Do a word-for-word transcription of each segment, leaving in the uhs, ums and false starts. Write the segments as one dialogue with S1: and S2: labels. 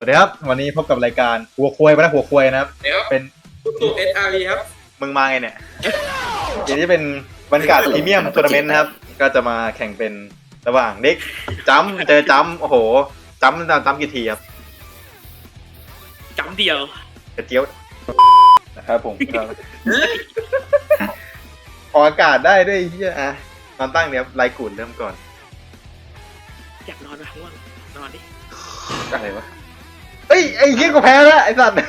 S1: สวัสดีครับวันนี้พบกับรายการหัวควยไปนะหัวควยนะครับ
S2: เดี๋ยว
S1: เป็น
S2: ตู้เอสอาร์วีครับ
S1: มึงมาไงเนี่ย เดี๋ยวนี้เป็นบรรยากาศพรีเมียมทัวร์นาเมนต์นะครับ ก็จะมาแข่งเป็นระหว่างเด็กจัมป์เจอจัมป์โอ้โหจัมป์จัมป์กี่ทีครับ
S2: จำเดียว
S1: กระเจียวนะครับผมก็ออกอากาศได้ด้วยเฮียอ่ะตอนตั้งเนี่ยไลกูดเริ่มก่อน
S2: อยากนอนไหมง่วงนอนดิ
S1: อะไรวะเฮ้ยไอ้เฮียกูแพ้แล้วไอ้สัตว์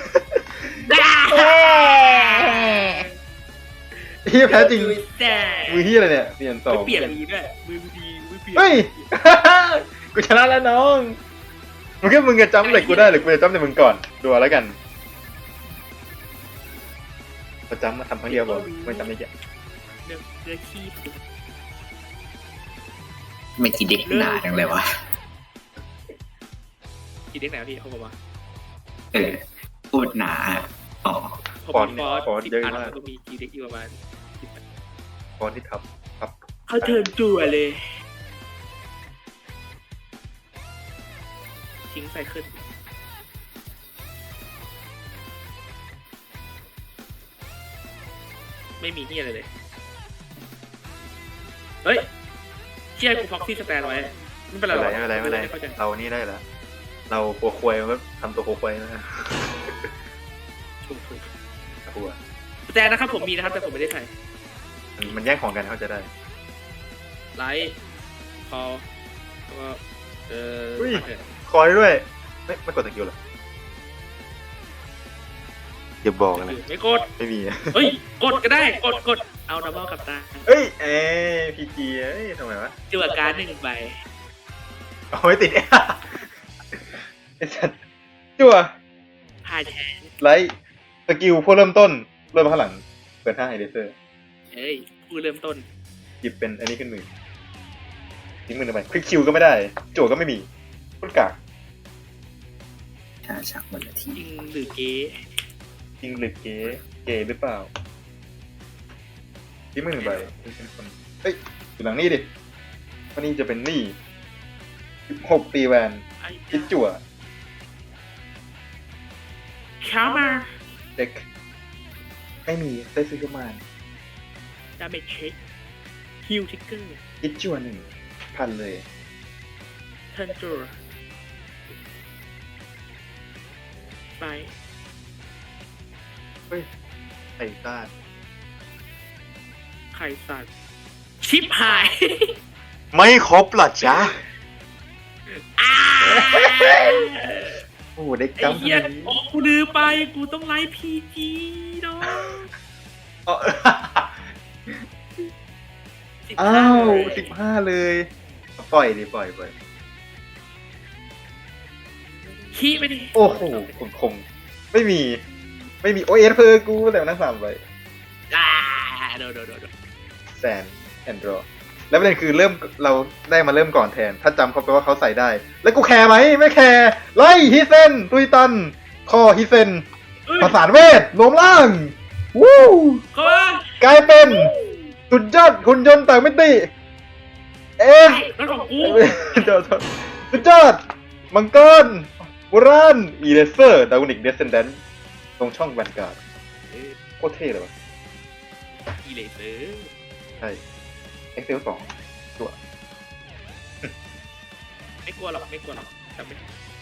S1: เฮียแพ้จริง
S2: แต่
S1: มือเฮียอะไรเนี่ยเปลี่ยนสอง
S2: เปลี่ยนมือด้วยมือดีมือเปลี่ยน
S1: เฮ้ย กูชนะแล้วน้องมึงแค่มึงจะจำเหล็กกูได้หรือกูจะจำแต่มึงก่อนดูเอาแล้วกันประจำมาทำครั้งเดียวก่อนไม่จำไม่เยอะ
S2: เนื้อเนื้อขี้
S3: ไม่ทีเด็กหนาจังเลยวะ
S2: กี่เด็กไหนพี่เขาบอกว่า
S3: เออพูดหนาอ๋อ
S2: ผมมีฟอสสิบอันก็มีกี่เด็กอยู่ประมาณ
S1: ฟอนที่ทับทับ
S2: เขาเทิร์นจั่วเลยทิ้งใส่ขึ้นไม่มีที่อะไรเลยเฮ้ยเชี่ยกูฟ็อกซี่สแตนไว้ไม่เป็นไร
S1: ไม่เป็นไรไม่เป็นไรไม่เป็นไรเรานี่ได้แล้วเราปัวควยก็ทำตัวปัวควยนะ
S2: ถูกถูก
S1: กลัว
S2: สแตนนะครับผมมีนะครับแต่ผมไม่ได้ใส่
S1: มันมันแย่งของกันเขาจะได้
S2: ไลท์คอแล้วก็เออ
S1: อุ้ยคอยด้วยไม่ไม่กดตะกิ้วหรออย่าบอกนะ
S2: ไม่กด
S1: ไม่มี
S2: เฮ้ยกดก็ได้กดกดเอาดับเบิลกับตา
S1: เอ้ยเอ้พีจีเอ้ยทำไมวะ
S2: จั่วการ์ดหนึ่งใบ
S1: เอาไว้ติด ไอ้สัตว์จั่ว
S2: ผ่านแทน
S1: ไลท์สกิลพวกเริ่มต้นเริ่มข้างหลังเปิดห้าไอเดเซอร์
S2: เฮ้ยผู้เริ่มต้น
S1: หยิบเป็นอันนี้ขึ้นมือทิ้งมือทำไมคลิกคิวก็ไม่ได้โจทย์ก็ไม่มีพุนกาก
S3: ชาชักวันละที
S2: จริงหรือเก๊
S1: จริงหรือเก๋เก๋หรือเปล่าทิ้งมือหนึ่งใบเป็นคนเฮ้ยอยู่หลังนี่ดิวันนี้จะเป็นนี่สิบหกตีแวน
S2: ไอ้
S1: คิดจั่ว
S2: ข้ามา
S1: เด็กไม่มีได้ซื้อเข้ามา
S2: ดาเมจเช็คฮิลทิกเกอร์
S1: คิดจั่วหนึ่งพันเลย
S2: เทิร์นจั่วไป
S1: เฮ้ยไอ้ต้า
S2: ไข่สัตว์ชิปหาย
S1: ไม่ครบหรอจ๊ะ
S2: อ้า
S1: โอ้เด็ก
S2: ไอ้
S1: จำ
S2: เหี้ย
S1: ทำไมนี้
S2: โอ้กูลืมไปกูต้องไลฟ์พีจีเนาะ
S1: อ๋อ
S2: สิบ
S1: อ้า
S2: ห้าว เลย
S1: สิบห้าเลย ปล่อยดิปล่อยปล่อย
S2: ขี้ไปดิ
S1: โอ้โหคมคมไม่มี ไม่มีโอเอสเพอกูแต่นั่งสามไป
S2: อ่าโดนโดนโดนโดน
S1: แซนแอนดรอแล้วประเด็นคือเริ่มเราได้มาเริ่มก่อนแทน ถ้าจำเขาไปว่าเขาใส่ได้ แล้วกูแคร์ไหมไม่แคร์ไล่ฮิเซนตุยตัน คอฮิเซน
S2: เอ้ย
S1: ประสานเวทรวมร่าง วู้
S2: เข้ามาก
S1: ลายเป็นสุดยอดหุ่นยนต์ต่างมิติ เอ๊ะ
S2: นั่นของกู
S1: เดี๋ยวสุดยอดมังกรโบราณอีเลเซอร์ดาวนิกเดสเซนแดนตรงช่องแวนการ์ดโคตรเท่เลยวะ
S2: อีเลเซอร์
S1: ใช่เอ็กเซลสองตัว
S2: ไม่กลัวหรอกไม่กลัวหรอกจำไม่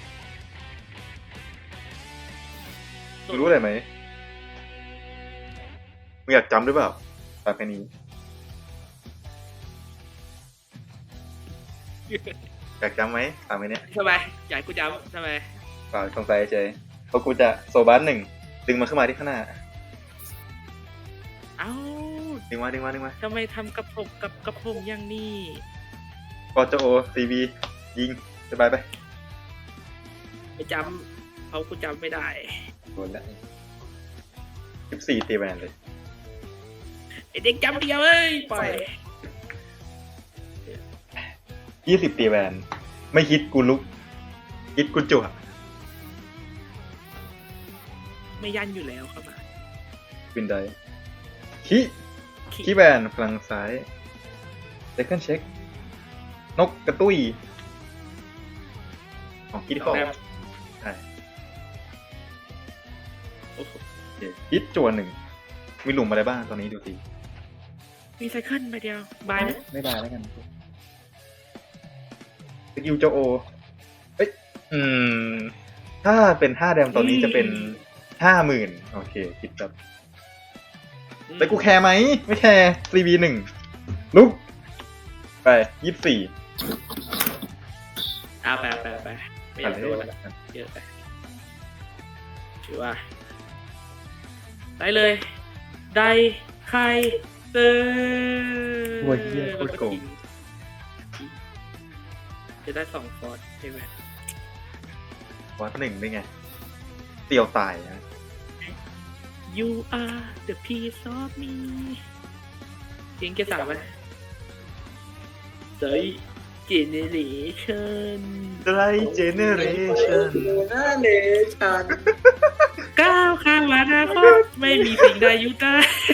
S1: มึงรู้อะไรไหมมึงอยากจำหรือเปล่าตามแค่นี้ อยากจำไหมตามแค่นี้
S2: ทำไมอยากให้กูจำทำไม
S1: เปล่าสงสัยเฉยเพราะกูจะโซบัสหนึ่งดึงมันขึ้นมาที่ข้างหน้า
S2: เอ้า
S1: ดึงมาดึงมาดึงมา
S2: ทำไมทำกับผมกับกับผมอย่างนี้
S1: กอจโอซีบียิงสบายไป
S2: ไม่จำเขากูจำไม่ได้
S1: โดนแล้วสิบสี่ตีแวนเลย
S2: ไอเด็กจำเดียวเอ้ยปล่อย
S1: ยี่สิบตีแวนไม่คิดกูลุกคิดกูจั่ว
S2: ไม่ยันอยู่แล้วครับ
S1: วินไดคิคิแวนพลังซ้ายเซคันเช็คนกกระตุ้ยของคิดที่คอใช่เคฮิตจั่วหนึ่งมีหลุมอะไรบ้างตอนนี้ดูสิ
S2: มีไซเคิลไปเดียวบายไหม
S1: ไม่บายแล้วกันสกิลโจโอเอ้ยอืม ถ้าเป็นห้าแดมตอนนี้จะเป็นห้าหมื่นโอเคคิดแบบแต่กูแคร์ไหมไม่แคร์ซีบีหนึ่งลุกไปยี่สิบสี่
S2: อ่าไปไปไปไม่อยากโดนละเยอะไปถือว่าได้เลยได้ใครเตอร์
S1: โอ้ยเหี้ยโคตรโกง
S2: จะได้สองฟอร์ดใช่ไหม
S1: วัดหนึ่งได้ไงเตียวตายนะ
S2: You are the piece of me จริงแค่สามไหมเซยเจเนเรชั่น
S1: ไดรเจเนเรชั่น
S3: หน้าเลชัน
S2: ก้าวข้ามอนาคตไม่มีสิ่งใดหยุดได้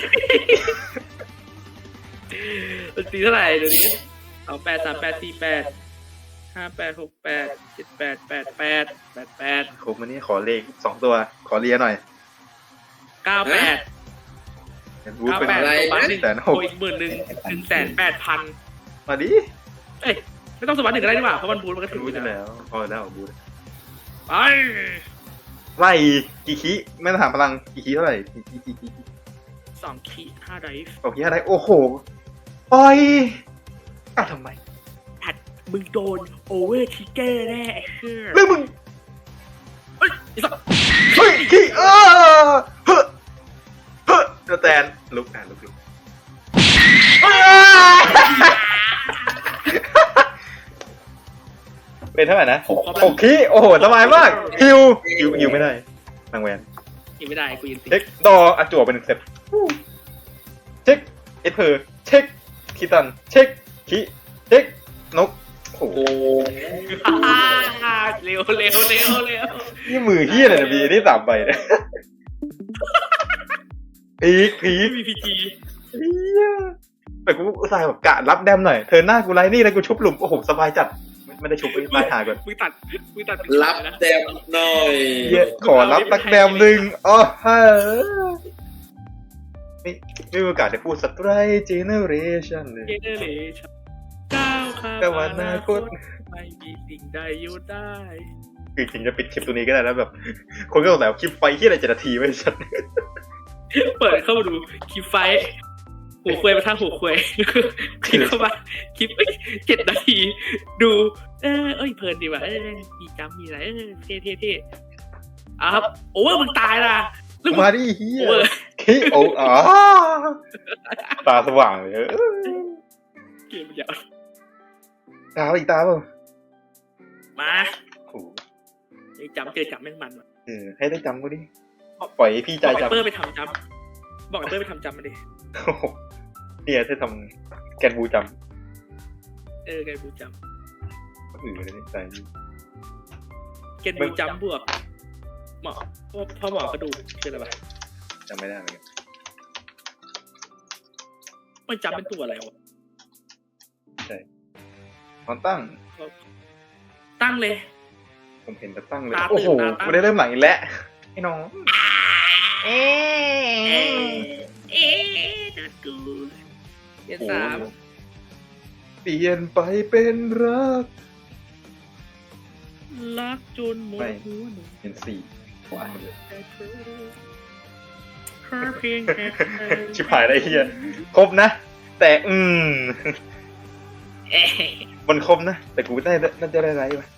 S2: มันตีเท่าไหร่เดี๋ยวนี้เอาแปดสามแปดสี่แปดห้าแปดหกแปดเจ็ดแปดแปดแปดแปดแปด
S1: ครบมันนี่ขอเลขสองตัวขอเลียหน่อย
S2: เก้าแปด
S1: วูด
S2: เก้า
S1: เป็น
S2: แปด
S1: อะไร
S2: สวัสดิ์หนึ่ง
S1: แสนหก
S2: โอ้อีกหมื่นหนึ่งหนึ่งแสนแปดพัน
S1: มาดิ
S2: เอ้ยไม่ต้องสวัสดิ์หนึ่งก็ได้ดีกว่าเพราะมันบูทมันก็ถึง
S1: รู้จะแล้วพอแล้วบูด
S2: ไป
S1: ไล่กี่คิไม่ต้องถามพลังกี่คิเท่าไหร่กี่คิกี่คิ
S2: สองขีดห้าไดฟ์
S1: โอเคอะไรโอ้โหปล่อยอ่ะทำไม
S2: ผัดมึงโดนโอเวอร์ทิกเกอร์แน่ไอ้เชื่อ
S1: เรื่องมึง
S2: เฮ้ยไอ้สัส
S1: เฮ้ยขี้เออเฮ้อเฮ้อเดอะแตนลุกอ่ะลุกลุกเป็นเท่าไหร่นะหกหกขี้โอ้โหสบายมากฮิวฮิวฮิวไม่ได้นางแวน
S2: ยิงไม่ได้กูยิงติด
S1: เช็คดออาจั่วเป็นหนึ่งเซตเช็คเอสเพอร์เช็คคีตันเช็คคีเช็คนกโอ้โห
S2: เร็วเร็วเร็วเร็ว
S1: นี่มือเฮี้ยเลยนะบีนี่สามใบเนี่ยพีคพีค
S2: ไม่มีพีจี
S1: เฮี้ยแต่กูอุตส่าห์แบบกะรับแดมหน่อยเธอหน้ากูไล่นี่แล้วกูชุบหลุมโอ้โหสบายจัดไม่ได้ชุบไปตายหาก่อน
S2: มึงตัดมึงตัด
S3: รับแต้มหน่อย
S1: เหี้ยขอรับสักแดมหนึ่งอ๋อฮะไม่ไม่มีโอกาสได้พูดสไตรเจเนเรชั่นเลย
S2: เจเนเรชั่นก้าวข้าม
S1: ก้าวอนาคต
S2: ไม่มีสิ่งใดหยุดได้
S1: คือจริงจะปิดคลิปตัวนี้ก็ได้แล้วแบบ คนก็สงสัยว่าคลิปไฟที่อะไรเจ็ดนาทีไม่ชัด
S2: เปิดเข้ามาดูคลิปไฟท์หัวควยมาทางหัวควยคลิปเข้ามาคลิปเจ็ดนาที ดู เออเอ้ยเพลินดีว่ะเออมีจำมีอะไรเออเท่เท่เท่อ่ะครับโอเวอร์มึงตายละแล้วมึง
S1: มาดิเฮีย
S2: โอเวอร์
S1: คิโออ๋อตาสว่างเลยเออ
S2: เกมมันยาว
S1: ตาอีกตาเปล่า
S2: มา
S1: โอ้โห
S2: ไอ้จำเจอจำแม่งมันว่ะ
S1: เออให้ได้จำกูดิปล่อยให้พี่ใจ
S2: บอกไอ้
S1: จำ
S2: เปอร์ไปทำจำบอกไอ้เปอร์ไปทำจำมาดิ
S1: โอ้โหเนี่ยถ้าทำแกนบูจ
S2: เออแกนบูจ
S1: ำก็อือเลยใจ
S2: ำแกนบูจำบวกหมอพ่อหมอกระดูกคืออะไรวะ
S1: จำไม่ได้เหมือนกัน
S2: มันจำเป็นตัวอะไรวะ
S1: ตอนตั้ง
S2: ตั้งเลย
S1: ผมเห็นแต่ตั้งเลย
S2: ตาตื่น
S1: โอ้โห
S2: ตาตั้ง
S1: กูได้เริ่มหลังอีกแล้วไอ้น้อง
S2: เอ๊ะเอ๊ะนัดกูเรียนสาม
S1: เปลี่ยนไปเป็นรัก
S2: รักจนหมดหัวหนู
S1: เป็นสี่ขวาเลย
S2: แต่เธอแค่เพียงแค่เธอ
S1: ชิบหายได้เฮียครบนะ แต่อืม
S2: เอ๊ะ
S1: มันครบนะ แต่กูได้น่าจะได้ไรวะ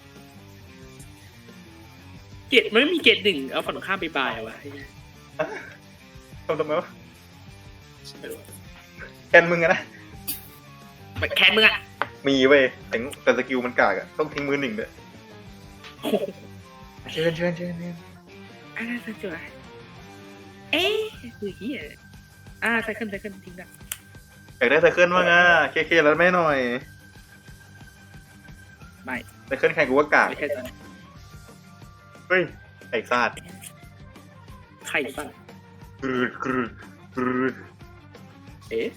S2: เกตมันไม่มีเกตหนึ่งเอาฝั่งตรงข้ามไปบายวะ
S1: ทำทำไมวะแคนมึงอะนะ
S2: มันแค้นมึงอะ
S1: มีเว้ยแต่แต่สกิลมันกากอะต้องทิ้งมือหนึ่งด้วยเชิญเชิญเชิญเชิญ
S2: อ่าใส่จุดเอ๊ะคือเฮียอ่าใส่ขึ้นใส่ขึ้นทิ้งกัน
S1: อยากได้ไซเคิลบ้างอะเคเคแล้วแม่หน่อย
S2: ไม่
S1: ไซเคิลใครกูว่ากาก
S2: ไม่ใช่ตอน
S1: เฮ้ยไอ้ซาด
S2: ไข่สั่น
S1: กรึดกรึดกรึด
S2: เอ๊ะ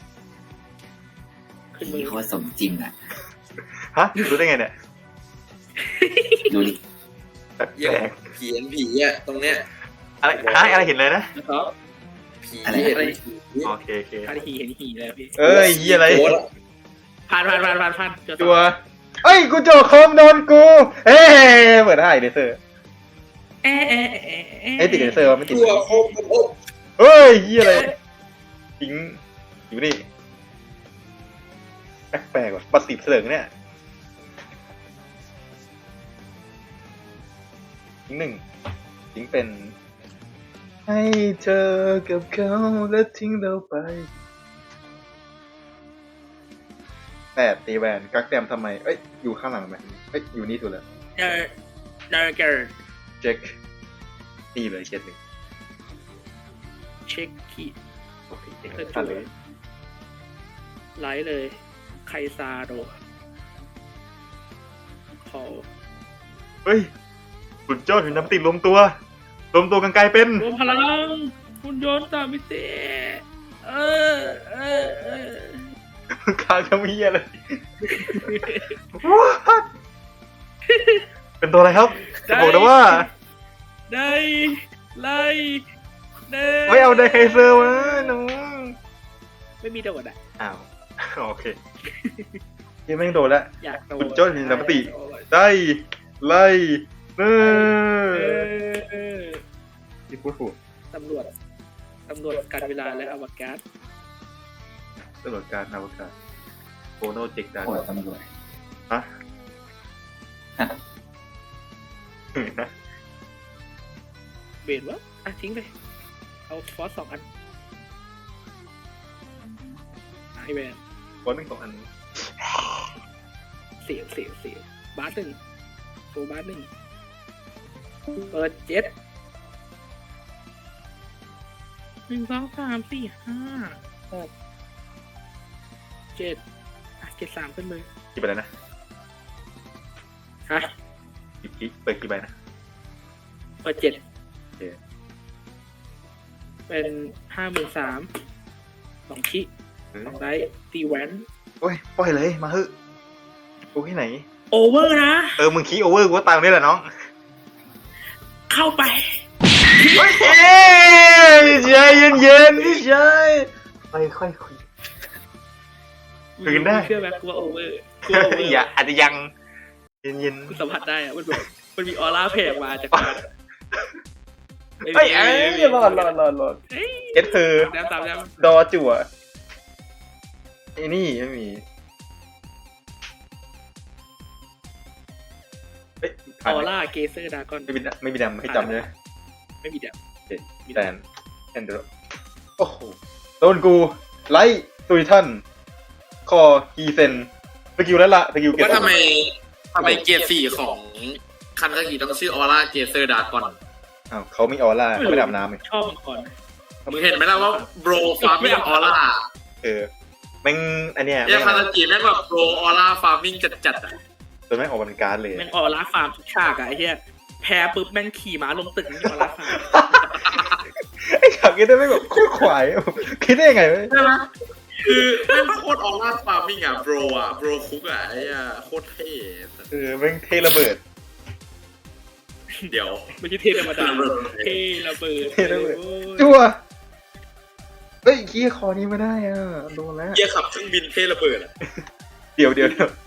S2: ขึ้นมื
S3: นี่
S2: อ
S3: โคตรสมจริงอ่ะ
S1: ฮะรู้ได้ไงเนี่ย
S3: ดูดิ
S1: แปล
S4: อย่าง
S1: ก
S4: ผีเห็นผีอ่ะตรงเนี้ย
S1: ๆอะไรฮะอะไรเห็นเลยนะ
S2: นะครับ
S4: ผี
S3: อะไร
S4: เห็น
S2: อะไร
S4: ผี
S1: โอเคโอเค
S2: พานหีเห็นหีเลยพี่
S1: เอ้ยยี่อะไร
S4: โอ้ย
S2: ผ่านผ่านผ่านผ่านผ่านเจอ
S1: จัวเอ้ยกูโจโคมโดนกูเอ้ยเปิดให้เลเซอร์
S2: เอ๊ะเอ๊ะเอ๊ะ
S1: ไอ้ยติดเลเซอร์วะไม่ติด
S4: ตัวโคมโอ้
S1: เฮ้ยยี่อะไรทิ้งอยู่นี่แปลกๆว่ะปัดติดเสลิงเนี่ยทิ้งหนึ่งทิ้งเป็นให้เธอกับเขาและทิ้งเราไปแปดตีแวนกักแดมทำไมเอ้ยอยู่ข้างหลังไหมเอ้ยอยู่นี่ถูกแล้ว
S2: เจอเจอเจอ
S1: เช็คตีเลยเจ็ดหนึ่ง
S2: เช็คขีด
S1: โอเค
S2: เช็ค
S1: ตัดเลย
S2: ไลท์เลยไคซาโดขอ
S1: เฮ้ยสุดยอดถึงน้ำติดรวมตัวรวมตัวกันกลายเป็น
S2: รวมพลังคุณยนต์ตามมิติเออเออเออ
S1: คางจะมีอะไร What? เป็นตัวอะไรครับจะบอกนะว่า
S2: ได้ไล่ได้
S1: ไม่เอาไดไคเซอร์มาน้อง
S2: ไม่มีโดดอ่ะ
S1: อ้าว โอเคยังไม่งโดนแล้ว
S2: อยากโดด
S1: คุณโจ้ถึงน้ำติ ได้ไล่เอ
S2: เอ
S1: อ
S2: อ
S1: ที่พูดถูก
S2: ตำรวจตำรวจการเวลาและอวกาศ
S1: ตลอดการอวกาศโฟโนเจกดา
S3: โอ้ยตำรวจ
S1: ฮะ
S2: เบนวะอ่ะทิ้งไปเอาฟอสสองอันไอแวน
S1: บอลหนึ่งสองอัน
S2: เสียงเสียงเสียงบาสหนึ่งโซบาสหนึ่งเปิดเจ็ดหนึ่งสองสามสี่ห้าหกเจ็ดอ่ะเจ็ดสามขึ้นมือ
S1: กี่ใบแล้วนะ
S2: ฮะ
S1: กี่กี่เปิดกี่ใบนะ
S2: เปิดเจ็ด
S1: โอเค
S2: เป็นห้าหมื่นสามสองชิ
S1: เออ
S2: สองได้ตีแวน
S1: โอ้ยปล่อยเลยมาเถอะกูที่ไหน
S2: โอเวอร์นะ
S1: เออมึงคีโอเวอร์กูก็ตามนี่แหละน้อง
S2: เข้าไป
S1: เฮ้ยเอ้ยใจเย็นเย็นๆพี่ชายค่อยค่อยคุย คุยกันได้
S2: เชื่อไหมกูว่าโอเวอร์กูว่าโอเวอร์
S1: อย่าอาจจะยังเย็นเย็น
S2: กูสัมผัสได้อะมันแบบมันมีออร่าแผ่มาจากมัน
S1: ๆเฮ้ยเอ้ยรอดรอดรอดรอด
S2: เอ้ย
S1: เอสเธอ
S2: ตามตามตาม
S1: ดอจั่วไอ้นี่ไม่มีเฮ้ย
S2: อ
S1: ผ่าน
S2: อ
S1: ไหม
S2: ร่าเกเซอร์ดากอน
S1: ไม่มีดำไม่มีดำให้จำเลย
S2: ไม่มีเดียว
S1: โอเคแตนแอนเดอร์โอ้โหโดนกู ไลท์ตุยทัน คอฮีเซนสกิลแล้วละสกิลเก็บ
S4: ว่าทำไมทำไมเกียร์สี่ของคันตะกี้ต้องชื่อออร่าเกเซอร์ดากอน
S1: อ้าวเขามีออร่าเขาไม่ได้อาบน้ำเลย
S2: ชอบมังกร
S4: มึงเห็นไหมล่ะว่าโบรฟาร์มิงออร่า
S1: เออแม่งอันเนี้ย
S4: เนี่ย
S1: แม่ง
S4: คันตะกี้แม่งแบบโบรออร่าฟาร์มิงจัดๆอ่ะ
S1: จนแม่งออกเป็นการ์ดเลย
S2: แม่งออร่าฟาร์มทุกฉากอะไอ้เหี้ยแพ้ปุ๊บแม่งขี่ม้าลงตึกนี่ออร่าฟาร์ม
S1: ไอ้ฉากนี้ได้ไม่งแบบโคตรขวายคิดได้ยังไงวะ
S4: ใช่ไหมคือแม่งโคตรออร่าฟาร์มิงอ่ะโบรอ่ะโบรคุกอ่ะไอ้อ่ะโคตรเท่
S1: เออแม่งเทระเบิด
S4: เดี๋ยว
S2: ไม่ใช่เทธรรมดาเทระเบิด
S1: เทระเบิด
S2: โอ้ย
S1: จั่วเฮ้ยขี้คอนี้ไม่ได้อ่ะโดนแล้ว
S4: เกียร์ขับเครื่องบินเท่ระเบิดอ่ะ
S1: เดี๋ยวเดี๋ยวเดี๋ยว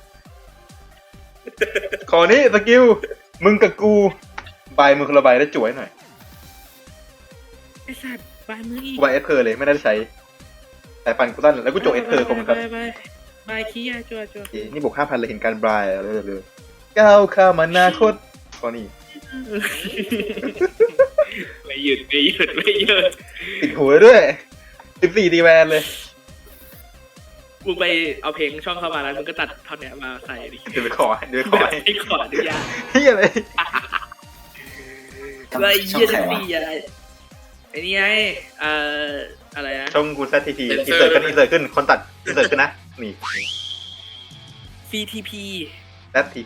S1: ขอนี้สกิลมึงกับกูใบมือคนละใบแล้วจั่วให้หน่อย
S2: ไอ้สัตว์บายมืออีก
S1: กูใบเอสเพอร์เลยไม่ได้ใช้แต่ปันกูตั้นแล้วกูจั่วเอสเพอร์คงครับ
S2: บายบายบายขี้อะจัวจัว
S1: โอเคนี่บวกห้าพันเลยเห็นการบรายเลยเลยก้าวข้ามอนาคตข้อนี้
S2: ไม่หยุดไม่หยุดไม่หยุด
S1: ติดหัวด้วยสิบสี่ตีแวนเลย
S2: มึงไปเอาเพลงช่องเข้ามาแล้วมึงก็ตัดท่อนเนี้ยมาใส่ดิ
S1: เดี๋ยวไปขอเดี๋ยวไปขอให้
S2: ไอ้ขออนุญาต
S1: เฮียอะไร
S2: ไอ้
S3: ช่อง
S2: เหี้ย
S3: ใคร
S2: จะ
S3: วะ
S2: ดีอะไรไอ้นี่ไงเอ่ออะไรนะ
S1: ช่องกูแซทีทีอินเสิร์ตขึ้นอินเสิร์ตขึ้นคนตัดอินเสิร์ตขึ้นนะนี่
S2: ซี ที พี
S1: แซที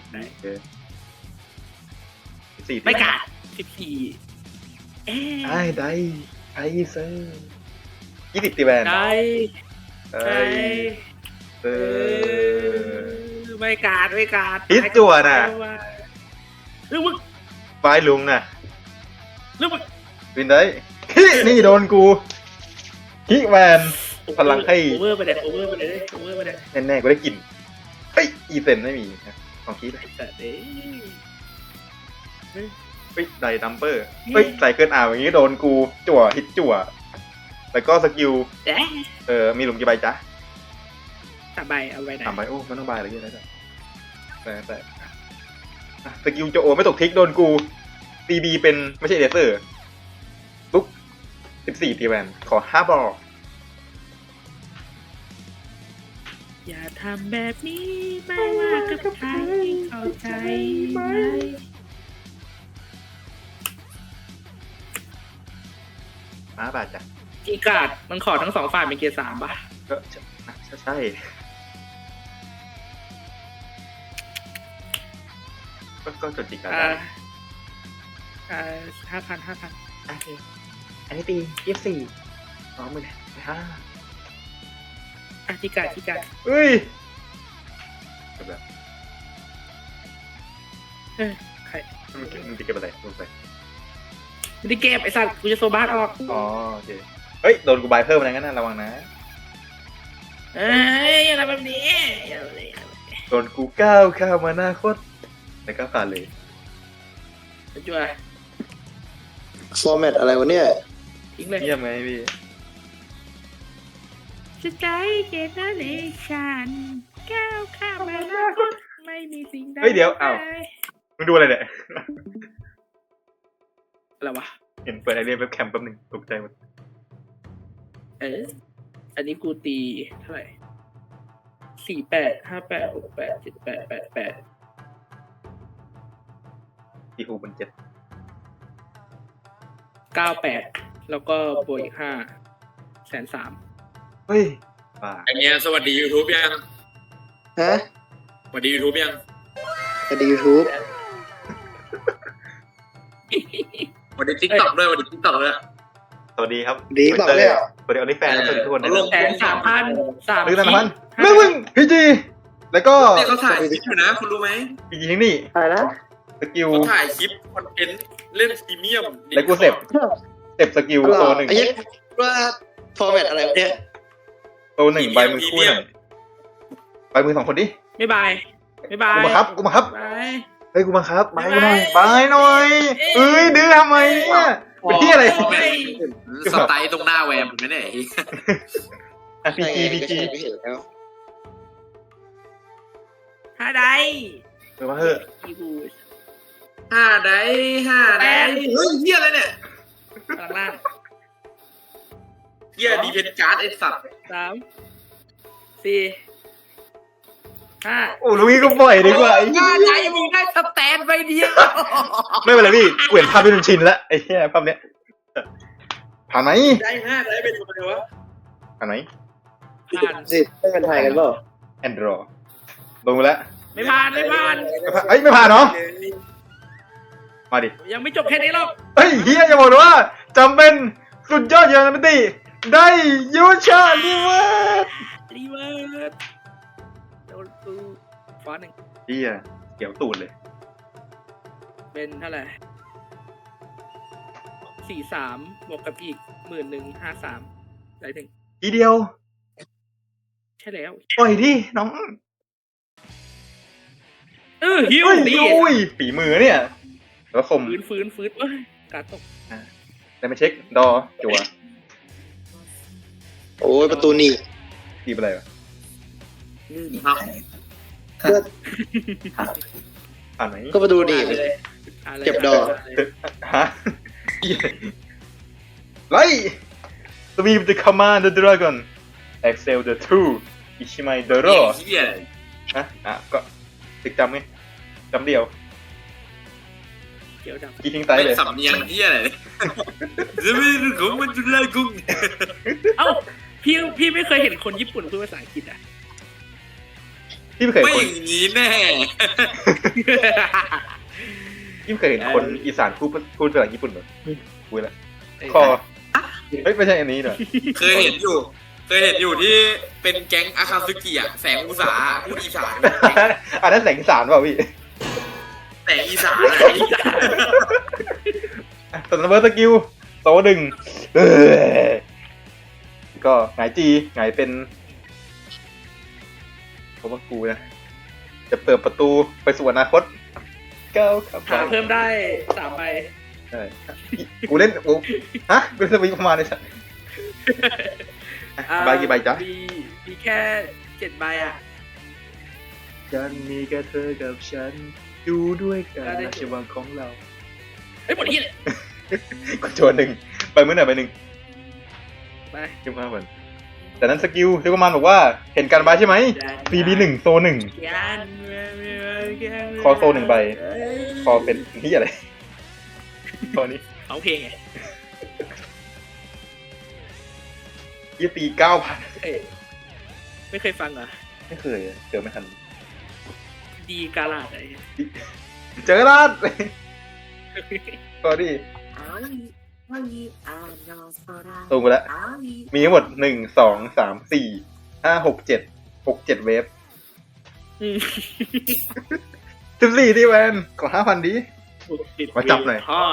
S1: สี่
S2: ไม่กาดสิบสี่เอ๊
S1: ไอ้
S2: ะ
S1: ได้ไอ้เซอร์ยี่สิบตีแวน
S2: ได้
S1: ไอ้
S2: ได้
S1: เซ
S2: เอ
S1: อร์
S2: อไม่กาดไม่กาด
S1: ฮิตจั่วน่ะ
S2: เรื่องมึง
S1: ไฟลุงน่ะ
S2: เรื่องมึง
S1: วินได้ฮินี่โดนกูฮิแวนพลังให้
S2: โอเวอร์ไปเลยโอเวอร์ไปเลยโอเวอร์ไปเลย
S1: แน่ๆกูได้กลิ่นเฮ้ยอีเซนไม่มีนะของคิด
S2: ไอ้สัตว์เอ้ย
S1: เฮ้ยไดดัมเปอร์เฮ้ยใส่เกินอ่าวอย่างงี้โดนกูจั่วฮิตจั่วแล้วก็สกิล
S2: แจ๊ะ
S1: เออมีหลุมกี่ใบจ๊ะ
S2: สามใบเอาไว้ไหน
S1: สามใบโอ้มันต้องใบอะไรเยอะแล้วจ้ะแต่แต่อ่ะสกิลโจโอไม่ตกทิกโดนกูตีบีเป็นไม่ใช่เดเซอร์ลุกสิบสี่ตีแวนขอห้าบอล
S2: อย่าทำแบบนี้ไม่ว่ากับใครเข้าใจไหม
S1: ห้าบาทจ้ะ
S2: กีการ์ดมันขอทั้งสองฝ่ายเป็นเกียร์สามป่ะ
S1: ก็ใช่ใช่ก็ก็จดจิกการ
S2: อ่า
S1: ได้
S2: อ่าห้าพันห้าพัน
S1: โอเคอันนี้ตียี่สิบสี่สองหมื่นห้า
S2: อ่ะกีการ์ดกีการ์ด
S1: เฮ้ยแบบ
S2: เอ้ยใคร
S1: มันมันจะเก็บอะไรลงไป
S2: ไม่ได้เก็บไอ้สัตว์กูจะโซบาสออก
S1: อ๋อโอเคเฮ้ยโดนกูบายเพิ่มอะไรงั้นนะระวังนะ
S2: เอ้ยอะไรแบบนี้อย่าเลย
S1: โดนกูก้าวข้ามมาหน้าโคตรแล้วก็ผ่านเลย
S2: จั่ว
S5: ฟอร์แมตอะไรวะเนี่ย
S2: ทิ้งเลย
S1: เยี่ยมไหมพี่
S2: จะใจเจตนาเลชันก้าวข้ามมาแล้วไม่มีสิ่งใด
S1: เฮ้ยเดี๋ยวอ้าวมึงดูอะไรเนี่ย
S2: อะไรวะ
S1: เห็นเปิดไอเรียนเว็บแคมแป๊บหนึงตกใจหมด
S2: เอออันนี้กูตีเท่าไหร่สี่แปดห้าแปดหกแปดเจ็ดแปดแปดแปด
S1: ตีฮูมันเจ็ด
S2: เก้าแปดแล้วก็บวกอีกห้าแสนสาม
S1: เฮ้ยป่า
S4: ไอเนี้ยสวัสดี YouTube ยัง
S5: ฮะ
S4: สวัสดี YouTube ยัง
S5: สวัสดียูทูบ
S4: สวัสดี TikTok ด้วยสวัสดี TikTok ด้วย
S1: สวัสดีครับ
S5: ดีเปล่าเนี่ย
S1: สวัสดีออลิแฟนสวัสดีทุกคนนะ
S4: เอาลง
S2: แสนสามพันสาม
S1: หนึ่งพันพันมึงมึงพีจีแล้วก็
S4: นี่เขาถ่ายคลิปอยู่นะ คุณรู้ไหม
S1: พีจีทั้งนี่
S5: อะไรนะ
S1: สกิล
S4: เขาถ่ายคลิปคอนเทนต์เล่นพรีเมียม
S1: แล้วกูเสพเสพสกิลโซหนึ่ง
S5: ไอ้ยักว่าฟอร์แมตอะไรวะเนี่ย
S1: โซหนึ่งใบมือคู่หน่อยใบมือสองคนดิ
S2: ไม่บายไม่บาย
S1: กูมาครับกูมาครับ
S2: บาย
S1: เฮ้ยกูมาครับใบกูหน่อยใบหน่อยเอ้ยดื้อทำไมเนี่ยเป็นที่อะไร
S4: สไตล์ตรงหน้าแวมเหมือนกันเนี่ย
S1: อ่ะพีจีพีจี
S5: ไม่เห็นแล้ว
S2: หาใด
S1: เออมาเถอะ
S2: อีบู
S4: ห้าได้ห้าได้เฮ้ยเฮียอะไรเนี่ย
S2: กลางล่าง
S4: เฮียดีเพนการ์ดไอสัตว์
S2: สามสี่ห้า
S1: โอ้ลุยก็ปล่อยดีกว่าไอ้เหี้
S2: ห้าย ใจมึงได้สแตนไปเดียว
S1: ไม่เป็นไรพี่กูเห็นภาพที่มันชินแล้วไอ้เหี้ยภาพเนี้ยผ่านไหม
S4: ได้ห้าได้เป็นตัวเดียววะ
S1: ผ่านไหม
S2: ผ่าน
S5: สิไม่เป็นไทยกันเปล่า
S1: แอนดรอลงมาแล้ว
S2: ไม่ผ่านไม่ผ่าน
S1: ไม่ผ่านเอ้ยไม่ผ่านเนาะมาดิ
S2: ยังไม่จบแค่นี้หรอก
S1: เฮ้ยเฮียจะบอกว่าจำเป็นสุดยอดอย่างนั้นตีได้ยูชาลิเวอร์
S2: รีเวิร์สโดนกูฟอนหนึ่ง
S1: เฮียเกี่ยวตูดเลย
S2: เป็นเท่าไหร่สี่สามบวกกับอีกหมื่นหนึ่งห้าสามได้หนึ่ง
S1: ทีเดียว
S2: ใช่แล้ว
S1: ปล่อยดิน้อง
S2: เออฮิว
S1: เฮ้ย
S2: ดี
S1: อุ้ยฝีมือเนี่ยแล้วคม
S2: ฟื้นฟื้นฟื้นเอ้ยการตก
S1: ได้มาเช็คดอจัว
S5: โอ้ยประตูหนีบ
S1: ตีไปอะไรวะ
S4: ครับ
S1: ผ่านไหม
S5: ก็ประตูหนีบ
S2: เลยะไร
S5: เก็บดอก
S1: ฮะไล่สวีป the command the dragon excel the two อิชิไมเดโร
S4: เฮียอะไร
S1: ฮะอ่ะก็ตึกจำไงจำเดียว
S2: เกี่ยวดับ
S1: กี่ทิ้งไต
S4: เป็น
S1: เลย
S4: สำเนียงเฮียอะไรจะไม่รู้ของมันจุฬากุ้ง
S2: เอ้าพี่พี่ไม่เคยเห็นคนญี่ปุ่นพูดภาษาอังกฤษอ่ะ
S1: พี่ไม่เคย
S4: ไม่
S1: เห็น
S4: อ
S1: คน
S4: ย่างนี้แน่
S1: พี่ไม่เคยเห็นคนอีสานพูดพูดภาษาญี่ปุ่นเหรอพูดละคอเฮ้ยไม่ใช่อันนี้เหรอ
S4: เคยเห็นอยู่ เคยเห็นอยู่ที่เป็นแก๊งอาคาซึกิอะแสงอุตสาหพูดอีสาน
S1: อันนั้นแสงอีสานเปล่าพี่
S4: แสงอีสาน
S1: ตอนนั้นเบอร์สกิลโซหนึ่งเออก็หงายจีหงายเป็นเพราะว่ากูนะจะเปิดประตูไปสู่อนาคตก้าวขับ
S2: หาเพิ่มได้สามใบ
S1: ใช่กูเล่นกูฮะกูเล่นสวิงประมาณนี้สักใบกี่ใบจ๊ะ
S2: มีมีแค่เจ็ดใบอ่ะ
S1: ฉันมีแค่เธอกับฉันอยู่ด้วยกันในชีวิตของเรา
S2: เอ้ยหมดที่เลย
S1: กูโจนหนึ่งไปมื้อไหนไปหนึ่ง
S2: ไป
S1: เรียกมาเหมือนแต่นั้นสกิลเรียกว่ามันบอกว่าเห็นการใบใช่ไหม ซี บี หนึ่งโซหนึ่งคอโซหนึ่งใบคอเป็นที่อะไรตอนนี้
S2: เอาเพลงไง
S1: ยี่ตีเก้าพัน
S2: เอ้ยไม่เคยฟังเหรอ
S1: ไม่เคยอะเจอไม่ทัน
S2: ดีกาลาดอะไร
S1: เจอแล้วก็ดิตรงไปแล้ว มีทั้งหมดหนึ่งสองสามสี่ห้าหกเจ็ดหกเจ็ดเวฟ
S2: อืม
S1: สิบสี่ที่แวนขอห้าพันดิ มาจับหน่อย
S2: พ่อ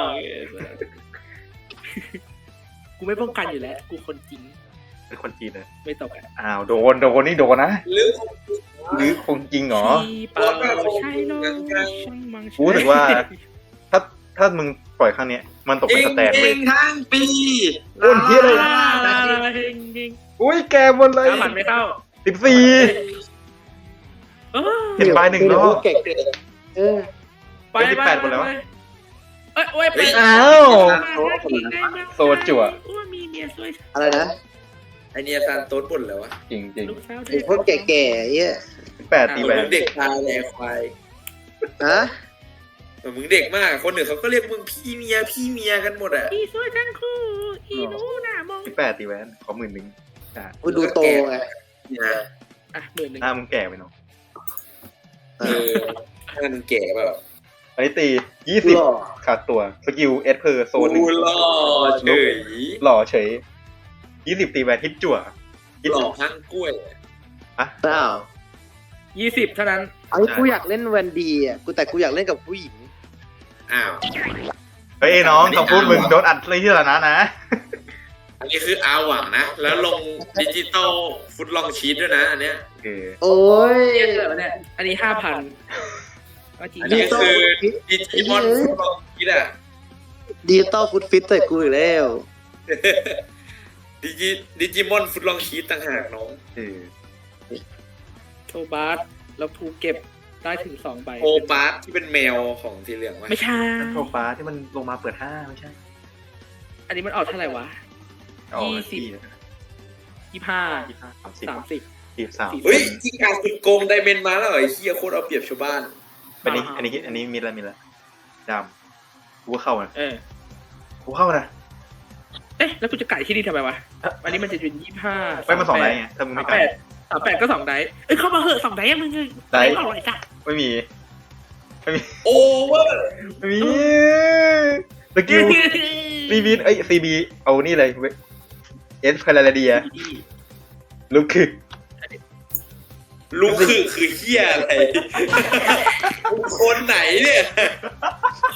S2: กูไม่ป้องกันอยู่แล้ว กูคนจริง
S1: เป็นคนจีนเลย
S2: ไม่ตกอ่ะ
S1: อ้าวโดนโดนนี่โดนนะ
S4: หรือ
S1: หรือคงจริงเหรอ
S2: ชีเปล่าใช่เนอะช่างมัง
S1: กูรู้สึกว่า ถ้าถ้ามึงปล่อยครั้งเนี้ย มันตก
S4: จ
S1: เป็น
S4: ริง
S1: สแตน
S4: จ
S1: เล
S4: ริ
S1: ย
S4: งทั้งปี
S1: โอ้ยเหี้ยเลย
S2: เฮงจริง
S1: อุ้ยแกหมดเลย
S2: น้ำมันไม่เข้า
S1: สิบสี่
S2: เออ
S1: เห็นใบหนึ่งรอบ
S5: เก่งเออ
S2: ไป
S1: สิบแปดหมดแล้ววะ
S2: เอ้ยโอ้ยไป
S1: อ้าว โซจั่ว
S2: อ้วมีเมียสวย
S5: อะไรนะ
S4: ไอเนียซานโต๊ดบ่นแล้ววะ
S1: จริงจริง
S2: ลูกสาว
S5: ไอ้พวกแก่ๆเหี้ย
S1: สิบแปดตี
S4: เห
S1: แว
S4: มือน
S1: น
S4: เด็กตายแหลควาย
S5: ฮะ
S4: เหมือนมึงเด็กมาก คนอื่นเขาก็เรียกมึงพี่เมียพี่เมียกันหมดอ่ะ
S2: อีสวยทั้งคู่อีหนูหน้ามอง
S1: สิบแปดตีแวนขอหมื่นหนึ่งอ่ะ
S5: กูดูโตไง
S4: เนี่ย
S2: อ่ะหมื่นหนึ่ง
S1: หน้ามึงแก่ไปเนาะ
S5: เอ
S4: เอ
S5: อ
S4: อนั่นแก่เปล่า
S1: อันนี้ตียี่สิบ
S5: หล่อ
S1: ขาดตัวสกิลเอสเพอร์โซนหนึ่ง
S4: กูหล่อเฉย
S1: หล่อเฉยยี่สิบตีแวนฮิตจั่วฮิต
S4: หล่อทั้งกล้วย
S5: เปล่า
S2: ยี่สิบเท่านั้น
S5: ไอ้กูอยากเล่นแวนดีอ่ะกูแต่กูอยากเล่นกับผู้หญิง
S4: อ้าว
S1: เฮ้ยน้องคำพูดมึงโดนอัดเลยที่ละนะนะ
S4: อันนี้คืออาหวังนะ แล้วลงดิจิตอลฟุตลองชีตด้วยนะ อันเนี้ย
S1: โอเค
S5: โอ้ย
S2: เยอะเลยเนี่ยอันนี้ห้าพันจริง
S4: อันนี้คือดิจิมอนฟุตลองชีตอะ
S5: ดิจิตอลฟุตฟิตแต่กูอีกแล้ว
S4: ดิจิดิจิมอนฟุตลองชีตต่างหากน้อง
S1: เออ
S2: โชบาร์แล้วภูเก็บได้ถึงสองใบ
S4: โอปาร์ตที่เป็นแมวของสีเหลืองวะ
S2: ไม่ใช่
S1: โทฟ้าที่มันลงมาเปิดห้าไม่ใช่
S2: อันนี้มันออกเท่าไหร่วะ
S1: อ๋อ
S2: ยี่สิบ
S1: ที่
S2: ยี่ห้า
S1: ยี่ห้าสามสิบ
S2: สามสิบ
S1: สี่สาม
S2: สี่
S4: เฮ้ยที่การสุดโกงไดเมนมาแล้วเหรอไอ้เฮียโคตรเอาเปรียบชาวบ้าน
S1: อันนี้อันนี้อันนี้มีละมีละดำกูก็เข้านะ
S2: เออ
S1: กูเข้านะ
S2: เอ๊ะ แล้วกูจะไก่ที่นี่ทำไมวะ อันนี้มันจะเป็นยี่ห้า
S1: ไปมาสองไดไงถ้ามึง
S2: สา
S1: ไม่
S2: ม
S1: กั
S2: แป
S1: น
S2: ดสามแปดก็สองไดเอ้ยเข้ามาเหอะสองไดยังมึง
S1: ได้
S2: ไม่อร่อยจ้ะ
S1: ไม่มี ไม่มี
S4: โอเวอร์
S1: ไม่มีสกิลซีบีเอ้ยซีบีเอานี่เลยเอสพาราเดียลูกคือ
S4: ลูกคือคือเฮียอะไรคนไหนเนี่ย
S2: คน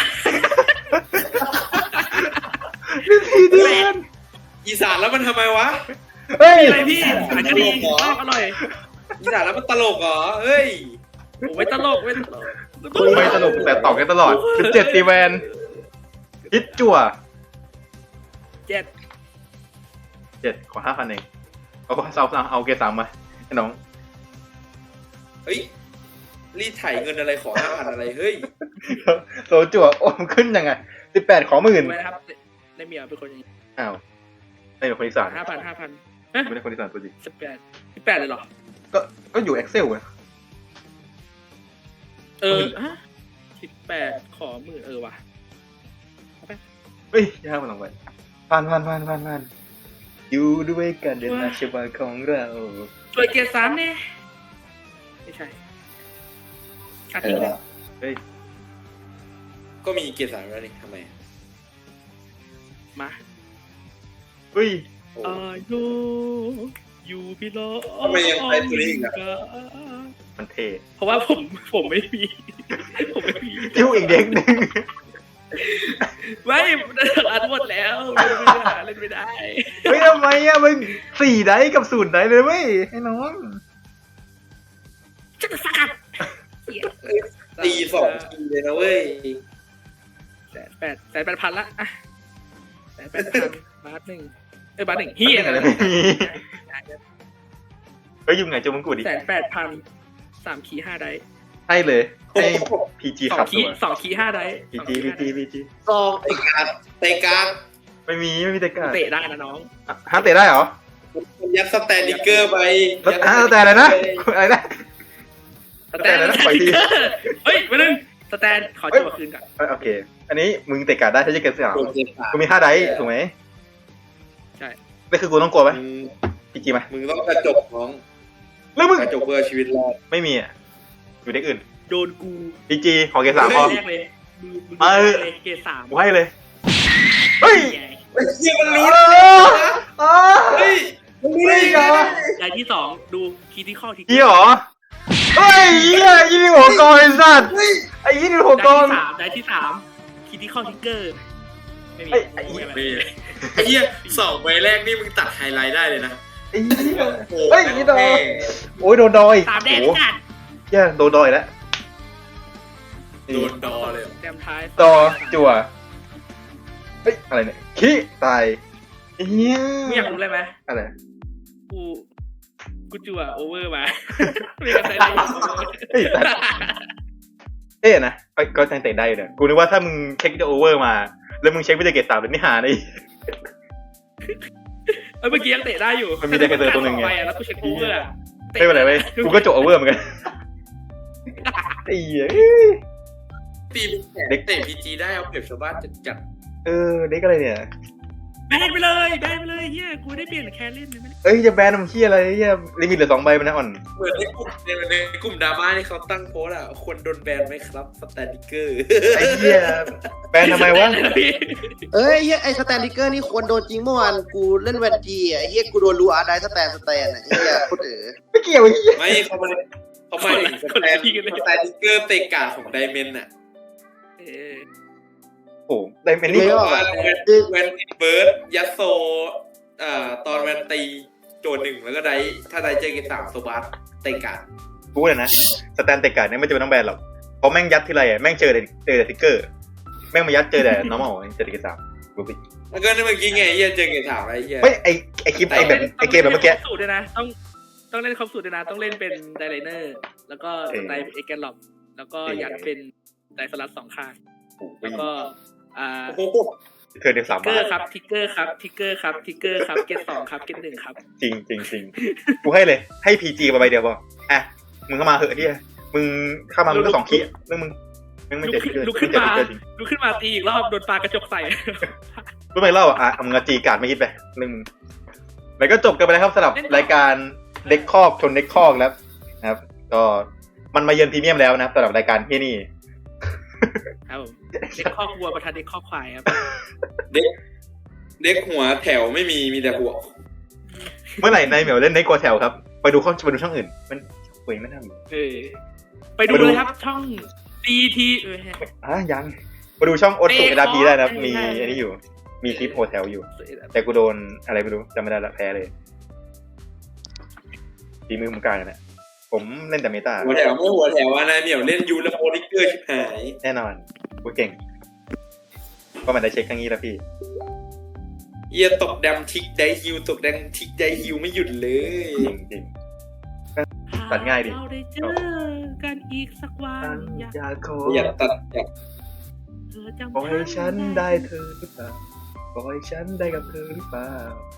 S1: ทีเดียว
S4: อีสานแล้วมันทำไมวะ
S1: เฮ้ย
S2: อะไรพี่อาจจะดีชอบอร่อย
S4: อีสานแล้วมันตลกเหรอเฮ้ย
S2: ผมไม่ตลกไม่ตลก
S1: ไม่ตลกแต่ตอบกันตลอดสิบเจ็ดตีแวนฮิตจั่ว
S2: เจ็ด
S1: เจ็ดขอห้าพันเองเอาเอาเอาเอาเกรดสามมาให้น้อง
S4: เฮ้ยรีดไถเงินอะไรขอห้าพันอะไรเฮ้ย
S1: โซจั่วโอ้มันขึ้นยังไงสิบแปดขอหมื่น
S2: ไว้นะครับในเมียเป็นคนอย่างนี้
S1: อ้าวไม่เป็นคนอีสาน
S2: ห้าพันห้าพัน
S1: ไม่ได้คนอีสานตัวจริง
S2: สิบแปดสิบแปดเลยเหรอ
S1: ก็ก็อยู่ Excel ไง
S2: เออฮะสิบแปดขอหมื่นเออว่ะ
S1: เฮ้ยยากมันลงไปผ่านผ่านผ่านผ่านผ่านอยู่ด้วยกันเดินมาชีวิตของเรา
S2: ช่วยเกียร์สามเนี่ยไม่ใช่อาทิตย์เลย
S1: เฮ้ย
S4: ก็มีเกียรติสามแล้วนี่ทำไม
S2: มา
S1: เฮ้ย
S4: โอ้
S2: อายุอยู่พี่ล้อ
S4: ทำไมยังไปตัวนี้อีกอะ
S1: มันเท่
S2: เพราะว่าผมผมไม่มี ผมไม่มี
S1: จิ้วอีกเด็กหนึ่ง
S2: ไม่อัดหมดแล้วเล่นไม่ได้เล่นไม่ได้
S1: เฮ้ยทำไมอะมึงสี่ไดส์กับศูนย์ไดส์เลยเว้ยไอ้น้อง
S2: จะสัก
S4: ตีสองทีเลยนะเว้ย
S2: แสนแปดแสนแปดพันละอ่ะแสนแปดพันบาทหนึ่งเอ้ยบาทหนึ่งเฮีย
S1: อะไรไม่มีเฮ้ยยุ่งไงจมึงกูดิ
S2: แสนแปดพันสามขีห้าได้
S1: ให้เลยให้พีจี
S2: สอ
S1: ขั
S2: ง
S1: บ
S2: ขี
S1: ตัว
S2: สองขีห้าได้
S1: พีจีพีจีพีจี
S5: ซอง
S4: เตะการเตะการ
S1: ไม่มีไม่มีแต่กา
S2: เตะได้นะน้อง
S1: ฮะเตะได้เหรอ
S4: มันยัดสแตนดิเกอร์ไป
S1: แล้วอ่ะแต่อะไรนะอะไรนะ
S2: สแตน
S1: สแตนนะปล่อยที
S2: เฮ้ยมาหนึ่งสแตนขอจั่วคืนก่อน
S1: เอ้ยโอเค อันนี้มึงเตะการ์ดได้ถ้าจะเกิดเสียง
S4: โดนเตะการ
S1: กูมีห้าไดส์ถูกไหม
S2: ใช่
S1: นี่คือกูต้องกลัวไหม
S4: มึง
S1: พีจีไหม
S4: มึงต้องกระจกน้อง
S1: แล้วมึง
S4: กระจกเพื่อชีวิตรอด
S1: ไม่มีอ่ะอยู่เด็กอื่น
S2: โดนกู
S1: พีจีขอเกรดสามพอ
S2: แรกเลยมือมือ
S1: เออ
S2: เลยเกรดสาม
S1: กูให้เลยเฮ้ย
S2: ใหญ่
S4: ไอ้เหี้ยมัน
S1: รู้
S4: รู้
S1: แล้
S4: นะ
S1: วอ๋อ
S4: เฮ้ยมึงรู้ได้ไง
S2: ใหญ่ที่สองดูคีที่ข้อที่
S1: ยี่หรอเฮ้ยยี่ยี่นี่หัวกองไอ้สัตว์ไอ้ยี่นี่หัวกอง
S2: ได้ที่สามได้ที่สามคีที่ข้อทิกเกอร์ไม่มี
S1: เอ้ย
S2: ไม่มีอะไร
S4: นี่ไอ้เหี้ยสองใบแรกนี่มึงตัดไฮไลท์ได้เลยนะ
S1: ไอ้ยี่
S4: โอ้โห
S1: เฮ้ยยี่ดอโอ้ยโดนดอย
S2: สามแดง
S1: โอ้
S2: กัด
S1: แย่โดนดอยแล้ว
S4: โดนดอเลย
S2: แต้มท้าย
S1: ต่อจั่วเฮ้ยอะไรเนี่ยขี้ตายเฮีย
S2: ไม่อยากรู้เลยไหม
S1: อะไร
S2: กูกูจั่วโอเวอร์มาไม่อยากใส่ได้โอเวอร์
S1: เฮ้ยสัตว์เอ๊ะนะเอ้ยก็ยังเตะได้อยู่เนี่ยกูนึกว่าถ้ามึงเช็คจะโอเวอร์มา แล้วมึงเช็ควิดีเกตสามเลยไม่หาเลย
S2: เอ้ยเมื่อกี้ยังเตะได้อยู่
S1: มันมีแต่กระเตอตัวหนึ่งไง
S2: ไปอะแล้วกูเช็คโอเวอร์อะ
S1: ไม่เป็นไรเว้ยกูก็จบโอเวอร์เหมือนกันไอ้เหี้ย
S4: ตีเด็กเตะพีจีได้เอาเปรียบชาวบ้านจัดจัด
S1: เออเด็กอะไรเนี่ย
S2: แบนไปเลยแบนไปเลยเฮียกูได้เปลี่ยนแคเล่นเลยไม่ได้
S1: เอ้ยจะแบนน้ำขี้อะไรเหี้ยลิมิตเหลือสองใบมันนะอ่อน
S4: เหมือนในกลุ่มในในกลุ่มดราม่าที่เขาตั้งโพสต์อ่ะควรโดนแบนไหมครับสแตนดิเกอร์
S1: ไอ้เหี้ยแบนทำไมวะ
S5: เอ้ยเฮียไอสแตนดิเกอร์นี่ควรโดนจริงเมื่อวานกูเล่นแวนดีอ่ะเฮียกูโดนรูอาร์ได้สแตนสแตนอ่ะเฮียโคตรเอ๋อ
S1: ไม่เกี่ยวไอ้เหี้ย
S4: ไม่เขาไม่เขาไม่ถึงสแตนสแตนดิเกอร์เตะกาดของไดเมนอ่ะ
S2: เออ
S1: โอ้ได้เป็นนี่
S4: บอกว่าแวนแวนเบิร์ดยัสโซอ่าตอนแวนตีโจนหนึ่งแล้วก็ได้ถ้าได้เจอกันสามโซบัสเตะกาด
S1: กูเลยนะสแตนเตะการ์ดเนี่ยไม่จำเป็นต้องแบนหรอกเพราะแม่งยัดที่ไรอ่ะแม่งเจอแต่เจอแต่ทิกเกอร์แม่งมายัดเจอแต่ normal เจอแต่เกสามกูปิด
S4: แล้วก็นี่เมื่อกี้ไงเฮียเจอกันสามอะไรเฮีย
S1: ไม่ไอไอคลิปไอแบบไอเกมแบบเมื่อกี้
S2: ต้องล่นครบสูตรด้วยนะต้องต้องเล่นครบสูตรด้วยนะต้องเล่นเป็นไดไลเนอร์แล้วก็สไตล์เอเกนล็อกแล้วก็ยัดเป็นไดสลัดสองข้างแล้วก็อ่า
S4: โอ้โห
S1: เธอเดียวสาม
S2: ทิกเก
S1: บา
S2: อ
S1: ท
S2: ร์ครับทิกเกอร์ครับทิกเกอร์ครับทิกเกอร์ครับเกตสองครับเกตหนึ่งครับ
S1: จริงจริงจริงกูให้เลยให้พีจีมาใบเดียวพออ่ะมึงเข้ามาเหอะที่มึงเข้ามามึงก็สองคีย์เรื่องมึงมึงไม่
S2: ลุ
S1: เจ็
S2: ก
S1: บ
S2: ขึ้น
S1: เกิน
S2: ลุก
S1: ไม่
S2: ขึ้น
S1: เจ็บ
S2: มา
S1: เกินจริง
S2: ลุกขึ้นมาตีอีกรอบโดนปลากระจกใส่
S1: รู้ไหมเล่าอ่ะมึงจีการ์ดไม่คิดไปเรื่องมึงแล้วก็จบกันไปแล้วครับสำหรับรายการเด็กคอกชนเด็กคอกแล้วนะครับ ก็มันมาเยือนพรีเมียมแล้วนะครับสำหรับรายการที่นี่
S2: ครับผมเด็กข้อกวัวประทานเด็กข้อควายครับ
S4: เด็กเด็กหัวแถวไม่มีมีแต่หัว
S1: เมื่อไหร่นายเหมียวเล่นในกัวแถวครับไปดูข้อไปดูช่องอื่นมันเว้ยไม่ทำ
S2: เออไปดูเลยครับช่องดีทีเออ
S1: อ่ะยังมาดูช่องโอสุเอดาพีได้นะครับ
S2: เออ
S1: มี
S2: ใช่
S1: อันนี้อยู่ มีคลิปโฮเทลอยู่ แต่กูโดนอะไรไม่รู้จำไม่ได้ละแพ้เลยทีมือมึงกลางนะผมเล่นแต่เมตา
S4: หัวแถวไม่หัวแถวอะนายเหมียวเล่นยูแล้วโอลิเกอร์ชิบหาย
S1: แน่นอนกูเก่งก็มันได้เช็คครั้งนี้แล้วพี่
S4: เยียตกดำทิกได้ฮิวตกแดงทิกได้ฮิวไม่หยุดเลย
S1: จริงจริง ตัดง่ายดิ
S2: เราได้เจอกันอีกสักวัน
S1: ๆ
S2: อยาก
S1: อยากขอ
S4: อยากตัดอยาก
S2: เธอจำ
S1: ขอให้ฉันได้เธอหรือเปล่าขอให้ฉันได้กับเธอหรือเปล่า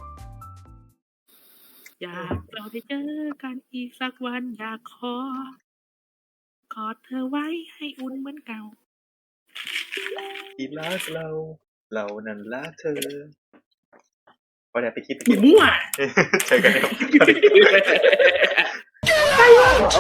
S2: อยากเราได้เจอกันอีกสักวันอยากขอกอดเธอไว้ให้อุ่นเหมือนเก่า
S1: ที่รักเรา เรานั้นรักเธอก็ได้ไปคิดไป
S2: ห
S1: คิด
S2: มั่ว
S1: เจอกันครับ